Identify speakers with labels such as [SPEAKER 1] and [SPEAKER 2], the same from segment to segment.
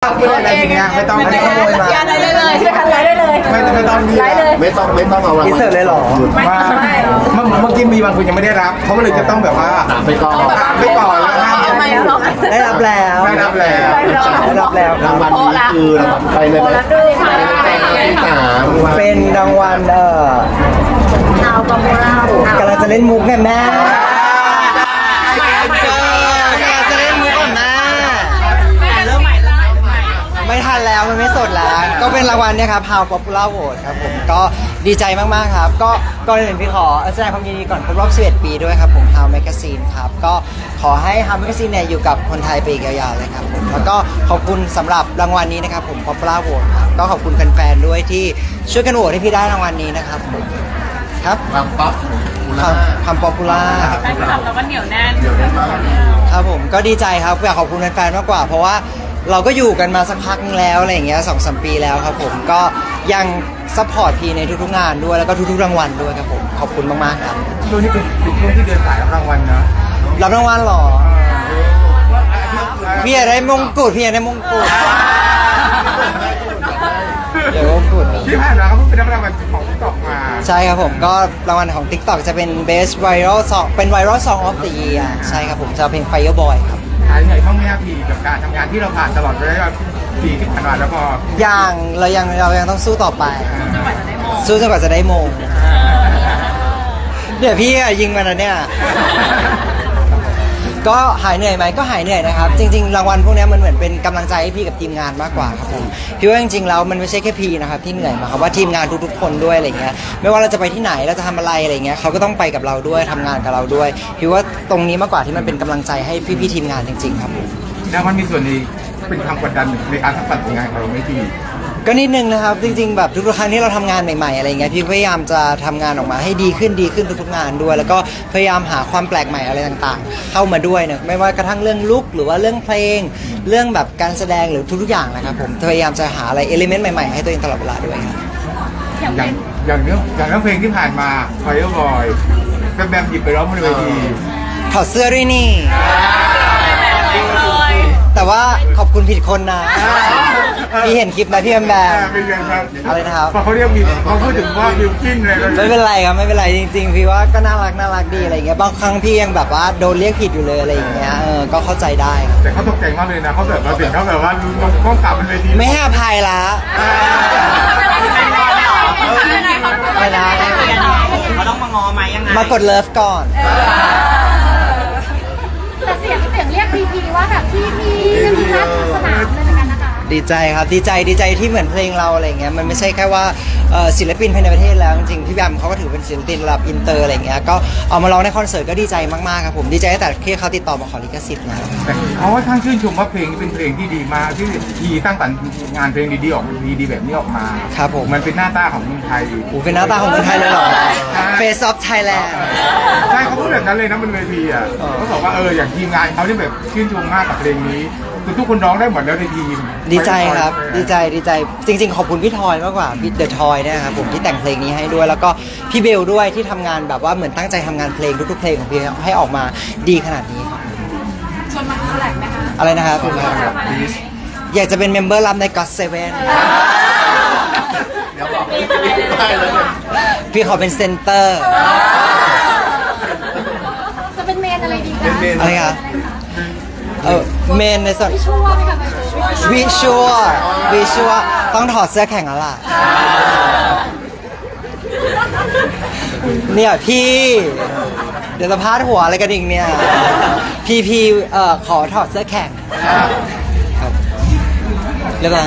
[SPEAKER 1] ต้องพูดอะไรทีเนี้ยไม่ต้องขโมยมา
[SPEAKER 2] อะไรได้เลยไม่ทันไรได้เลย
[SPEAKER 1] ไม่ต้อง
[SPEAKER 2] ไลฟ์เลย
[SPEAKER 3] ไม่ต้องเอาราง
[SPEAKER 1] อิน
[SPEAKER 3] วัล
[SPEAKER 1] เสิร์ตเลยเหรอเมื่อกี้มีบางคนยังไม่ได้รับเขาเลยจะต้องแบบว่า
[SPEAKER 3] ถามไปก่อน
[SPEAKER 1] ไปก่อนแล้ว
[SPEAKER 2] ไม่หรอก
[SPEAKER 4] ได้รับแล้ว
[SPEAKER 1] ได้รับแล้ว
[SPEAKER 4] ได้รับแล้ว
[SPEAKER 3] รางวัลนี้คือรางวัลไปเลยไหมที่สาม
[SPEAKER 4] เป็นรางวัล
[SPEAKER 2] เอากำลัง
[SPEAKER 4] กำลังจะเล่นมุกไงแม่กำลังจะเล่นมุกก่อนแม่ไม่ทันแล้วมันไม่สดแล้วก็เป็นรางวัลเนี่ยครับ How Popular Vote ครับผมก็ดีใจมากๆครับก็ก่อนอื่นพี่ขอแสดงความยินดีก่อนครบรอบ11 ปีด้วยครับผม How Magazine ครับก็ขอให้ How Magazine เนี่ยอยู่กับคนไทยไปอีกยาวๆเลยครับผมแล้วก็ขอบคุณสำหรับรางวัลนี้นะครับผม Popular Vote ครับก็ขอบคุณแฟนๆด้วยที่ช่วยกันโหวตให้พี่ได้รางวัลนี้นะครับผมครับ
[SPEAKER 3] ความป๊อป
[SPEAKER 4] ความป๊อปปูล่า
[SPEAKER 2] แฟนคลับเราก็เหนียวแน่น
[SPEAKER 4] ครับผมก็ดีใจครับอยากขอบคุณแฟนๆมากกว่าเพราะว่าเราก็อยู่กันมาสักพักนึงแล้วอะไรอย่างเงี้ย2-3 ปีแล้วครับผมก็ยังซัพพอร์ตพี่ในทุกๆงานด้วยแล้วก็ทุกๆรางวัลด้วยครับผมขอบคุณมากๆครับ
[SPEAKER 1] ช่วงนี้เป็นช่วงที่เดินสายรับรางวัลนะ
[SPEAKER 4] รับรางวัลเหรอพี่อยากได้มงกุฎพี่อยากได้มงกุฎเดี๋ยวมงกุฎ
[SPEAKER 1] ที่ผ่านมาเขาเพิ่งเป็นรางวัลของตอกมา
[SPEAKER 4] ใช่ครับผมก็รางวัลของ TikTok จะเป็น Best Viral Song เป็น Viral Song of the Year ใช่ครับผมจะเอาเพลง Fireboy ครับ
[SPEAKER 1] หายเหนื่อยบ้างไหมครับพี่กับการทำงานที่เราผ่านตลอดระยะปีที่ผ่านมาแล้วพอ
[SPEAKER 4] เรายังต้องสู้ต่อไป สู้จนกว่าจะได้มงเดี๋ยวพี่อะยิงมันนะเนี่ย ก็หายเหนื่อยไหมก็หายเหนื่อยนะครับ จริงๆรางวัลพวกนี้มันเหมือนเป็นกำลังใจให้พี่กับทีมงานมากกว่าครับผมพี่ว่าจริงๆแล้วมันไม่ใช่แค่พี่นะครับที่เหนื่อยมาครับว่าทีมงานทุกๆคนด้วยอะไรเงี้ยไม่ว่าเราจะไปที่ไหนเราจะทำอะไรอะไรเงี้ยเขาก็ต้องไปกับเราด้วยทำงานกับเราด้วยพี่ว่าตรงนี้มากกว่าที่มันเป็นกำลังใจให้พี่ๆทีมงานจริงๆครับผม
[SPEAKER 1] แล้วมันมีส่วนในเป็นความกดดันในการทำผลงานของเราไม่พี่
[SPEAKER 4] ก็นิดนึงนะครับจริงๆแบบทุกๆครั้งที่เราทำงานใหม่ๆอะไรเงี้ยพี่พยายามจะทำงานออกมาให้ดีขึ้นทุกๆงานด้วย แล้วก็พยายามหาความแปลกใหม่อะไรต่างๆ เข้ามาด้วยนะไม่ว่ากระทั่งเรื่องลุคหรือว่าเรื่องเพลงเรื่องแบบการแสดงหรือทุกๆอย่างนะครับผมพยายามจะหาอะไรเอลิเมนต์ใหม่ๆให้ตัวเองตลอดเวลาด้วยครับ
[SPEAKER 1] อย่างเรื่องเพลงที่ผ่านมา Fireboy แบมหยิบไปร้องบนเวที
[SPEAKER 4] ถอดเสื้อด้วยนี่ แต่ว่าขอบคุณผิดคนนะพี่เห็นคลิปนะพี่แบม
[SPEAKER 1] เป็นยังไงครับ
[SPEAKER 4] อะไรนะครับ
[SPEAKER 1] พอเขาเรียกมีเขาพูดถึงว่าบิวกิ้นเลย
[SPEAKER 4] ไม่เป็นไรครับไม่เป็นไรจริงๆพี่ว่าก็น่ารักดีอะไรเงี้ยบางครั้งพี่ยังแบบว่าโดนเรียกผิดอยู่เลยอะไรอย่างเงี้ยก็เข้าใจได้ครับ
[SPEAKER 1] แต่เขาตกใจมากเลยนะเขาแบบมาถึงเขาแบบว่าลงก้มกลับบนเวที
[SPEAKER 4] ไม่ให้อภัยละ ไม่นะ
[SPEAKER 5] เขาต้องมางอไหมยังไง
[SPEAKER 4] มากดเลิฟก่อน
[SPEAKER 6] แต่เสียงเรียกพีพีว่าแบบพี่จะมีนัดสนามเลยเหมือนกันนะคะ
[SPEAKER 4] ดีใจครับดีใจที่เหมือนเพลงเราอะไรเงี้ยมันไม่ใช่แค่ว่าศิลปินภายในประเทศแล้วจริงๆพี่แบมเขาก็ถือเป็นศิลปินระดับอินเตอร์อะไรเงี้ยก็เอามาร้องในคอนเสิร์ตก็ดีใจมากๆครับผมดีใจตั้งแต่ที่เขาติดต่อมาขอลิขสิทธิ์นะ
[SPEAKER 1] เขาว่าท่านชื่นชมว่าเพลงนี้เป็นเพลงที่ดีมากที่ทีสร้างสรรค์งานเพลงดีๆออกดีๆแบบนี้ออกมา
[SPEAKER 4] ครับผม
[SPEAKER 1] มันเป็นหน้าตาของเมืองไทย
[SPEAKER 4] โอ้เป็นหน้าตาของคนไทยเลยเหรอ Face of Thailand
[SPEAKER 1] ใช่เขาพูดแบบนั้นเลยนะบนเวทีอ่ะเขาบอกว่าอย่างทีมงานเขาเนี่ยแบบชื่นชมมากกับเพลงนี้คือทุกคนร้องได้หมดแล้วในทีม
[SPEAKER 4] ดีใจครับดีใจจริงๆ ขอบคุณพี่ทอยมากกว่าพี่เดอะทอยเนี่ยครับผมที่แต่งเพลงนี้ให้ด้วยแล้วก็พี่เบลด้วยที่ทำงานแบบว่าเหมือนตั้งใจทำงานเพลงทุกๆเพลงของพี่ให้ออกมาดีขนาดนี้ครับ
[SPEAKER 6] ชวนมาคอลแลบไหมคะ
[SPEAKER 4] อะไรนะครับอยากจะเป็นเมมเบอร์รับใน God Seven
[SPEAKER 3] เดี๋ยวบอกได้เลย
[SPEAKER 4] พี่ขอเป็นเซนเตอร์
[SPEAKER 6] จะเป็นเมนอะไรดีคะ
[SPEAKER 4] อะไรครับเมนในส่วน
[SPEAKER 6] พี่ชั่วไหมคะ
[SPEAKER 4] วิชวลต้องถอดเสื้อแข่งแล้วล่ะเนี่ยพี่เดี๋ยวจะพาดหัวอะไรกันอีกเนี่ยพี่ขอถอดเสื้อแข่งครับเรียบร้อย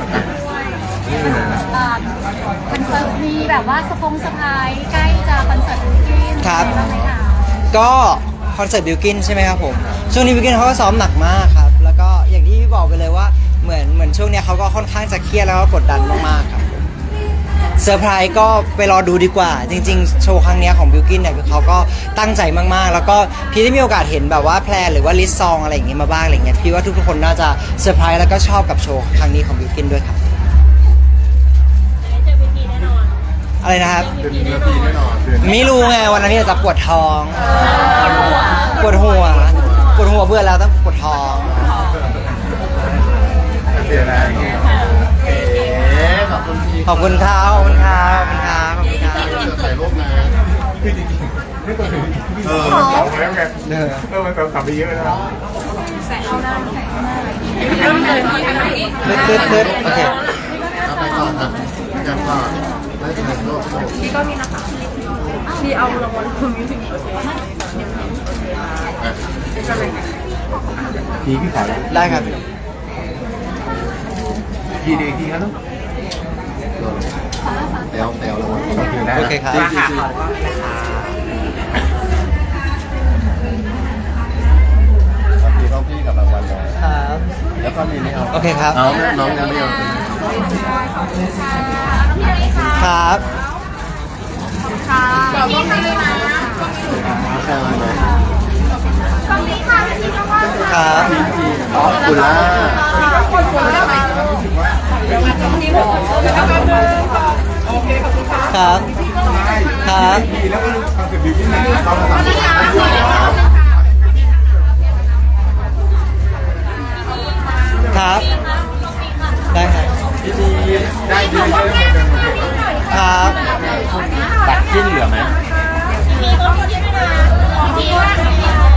[SPEAKER 6] คอนเสิร์ตมีแบบว่าสปายใกล้จะคอนเสิร์ตบิวกิ้น
[SPEAKER 4] ครับ
[SPEAKER 6] อะไรางไหมคะ
[SPEAKER 4] ก็คอนเสิร์ตบิวกินใช่ไหมครับผมช่วงนี้บิวกินเขาก็ซ้อมหนักมากครับแล้วก็อย่างที่พี่บอกไปเลยว่าเหมือนช่วงเนี้ยเขาก็ค่อนข้างจะเครียดแล้วก็กดดันมากๆครับเซอร์ไพรส์ก็ไปรอดูดีกว่าจริงๆโชว์ครั้งเนี้ยของบิวกินเนี่ยคือเขาก็ตั้งใจมากๆแล้วก็พี่ได้มีโอกาสเห็นแบบว่าแพลนหรือว่าลิสต์ซองอะไรอย่างงี้มาบ้างอะไรเงี้ยพี่ว่าทุกๆคนน่าจะเซอร์ไพรส์แล้วก็ชอบกับโชว์ครั้งนี้ของบิวกินด้วยครับอะไรนะครับ
[SPEAKER 1] เป็นเวทีแน่นอน
[SPEAKER 4] ไม่รู้ไงวันนั้นพี่อาจจะปวดท้องปวดหัวเบื่อแล้วต้องปวดท้อง
[SPEAKER 1] เสียแล้ว
[SPEAKER 3] ขอบคุณพี่
[SPEAKER 4] ขอบคุณครับขอบคุณครับขอบคุณครับขอบคุณครับ
[SPEAKER 3] ถ่ายรูปนะ
[SPEAKER 1] คือจริงๆไม่ตัวถึงมันสองแล้วไงมันสองไปเยอะแล้ว
[SPEAKER 4] ตึ๊ดโอเค
[SPEAKER 3] เอาไปก่อนนะกันก่อนได้ถ่ายรูป
[SPEAKER 2] พี่ก็มีนะคะพี่เอารางวัลคุณมิวสิก
[SPEAKER 1] ทีพี่ขอแล้ว
[SPEAKER 4] ได้ครับ
[SPEAKER 1] ทีเดียวทีครับลูก
[SPEAKER 3] เต๋วแล้ว
[SPEAKER 1] โอเคนะ
[SPEAKER 4] โอเคครับ
[SPEAKER 5] มาค่ะขอก็นะคะ
[SPEAKER 3] พี่ต้องพี่กับรางวัลเลย
[SPEAKER 4] ครับ
[SPEAKER 3] แล้วก็มีนี่เอา
[SPEAKER 4] โอเคครับ
[SPEAKER 3] เอาน้องยังไม่เอา
[SPEAKER 4] ครับ
[SPEAKER 3] เอาเลย
[SPEAKER 4] ครับ
[SPEAKER 3] อ๋อคุณล่า
[SPEAKER 4] ครับครับ
[SPEAKER 1] ทีแล้วก็คอนเซ็ปต์บิวกิ้นเราทำ
[SPEAKER 4] ครับ ได้ครับ
[SPEAKER 1] ได้เยอะๆ
[SPEAKER 4] ครับ
[SPEAKER 3] ตัดขึ้นเหลือไหม
[SPEAKER 2] มีต้นที่ด้วยนะ